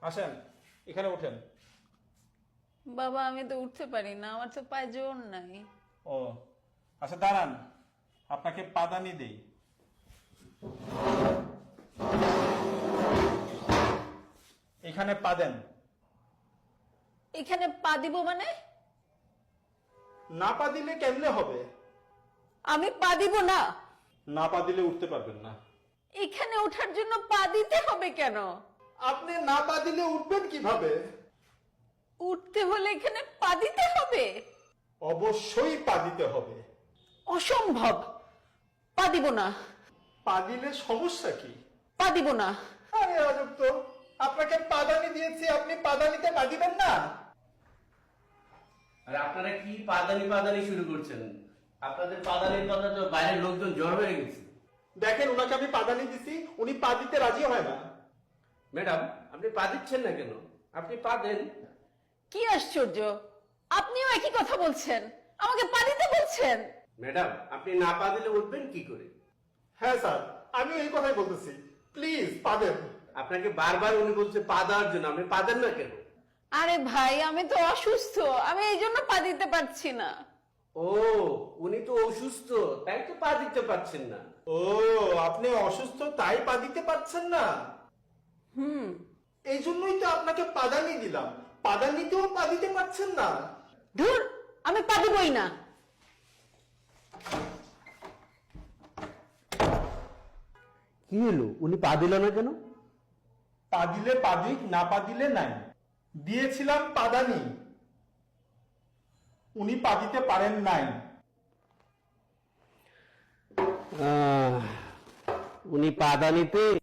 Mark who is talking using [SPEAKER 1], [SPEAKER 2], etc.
[SPEAKER 1] আসেন, এখানে ওঠেন।
[SPEAKER 2] বাবা আমি তো উঠতে পারি না, আমার তো পায়ে জোর নাই।
[SPEAKER 1] ও আচ্ছা, দাঁড়ান, আপনাকে পাদানি দেই। এখানে পা দেন।
[SPEAKER 2] এখানে পা দিব মানে?
[SPEAKER 1] না পা দিলে কেমনে হবে?
[SPEAKER 2] আমি পা দিব না।
[SPEAKER 1] না পা দিলে উঠতে পারবেন না।
[SPEAKER 2] এখানে ওঠার জন্য পা দিতে হবে কেন?
[SPEAKER 1] আপনি না পা দিলে উঠবেন কিভাবে?
[SPEAKER 2] উঠতে হলে এখানে পা দিতে হবে?
[SPEAKER 1] অবশ্যই পা দিতে হবে।
[SPEAKER 2] অসম্ভব, পা দিব না।
[SPEAKER 1] পা দিলে সমস্যা কি?
[SPEAKER 2] পা দিব না।
[SPEAKER 1] আরে আজব তো, আপনাকে পাদানি দিয়েছি, আপনি পাদানিতে পা দিবেন না?
[SPEAKER 3] আর আপনারা কি পাদানি পাদানি শুরু করছেন? আপনাদের পাদানির কথা তো বাইরের লোকজন জ্বর হয়ে গেছে।
[SPEAKER 1] দেখেন, ওনাকে আমি পাদানি দিছি, উনি পা দিতে রাজি হয় না।
[SPEAKER 3] ম্যাডাম, আপনি পা দিচ্ছেন না কেন? আপনি পা দেন।
[SPEAKER 2] কি আশ্চর্য, আপনিও একই কথা বলছেন, আমাকে পা দিতে বলছেন।
[SPEAKER 3] ম্যাডাম, আপনি না পা দিলে উঠবেন কি করে?
[SPEAKER 1] হ্যাঁ স্যার, আমি এই কথাই বলতেছি, প্লিজ পা দেন।
[SPEAKER 3] আপনাকে বারবার উনি বলছে পা দেওয়ার জন্য, আপনি পা দেন না কেন?
[SPEAKER 2] আরে ভাই আমি তো অসুস্থ, আমি এই জন্য পা দিতে পারছি না।
[SPEAKER 3] ও, উনি তো অসুস্থ, তাই তো পা দিতে পারছেন না।
[SPEAKER 1] ও, আপনি অসুস্থ তাই পা দিতে পারছেন না? এই জন্যই তো আপনাকে পাদানি দিলাম, পাদানিতেও পা দিতে পারছেন না।
[SPEAKER 2] ধুর, আমি পা দিবই না।
[SPEAKER 3] কি হলো, উনি পা দিল না কেন?
[SPEAKER 1] পা দিলে পা দিক, না পা দিলে নাই। দিয়েছিলাম পাদানি, উনি পা দিতে পারেন নাই।
[SPEAKER 3] উনি পাদানিতে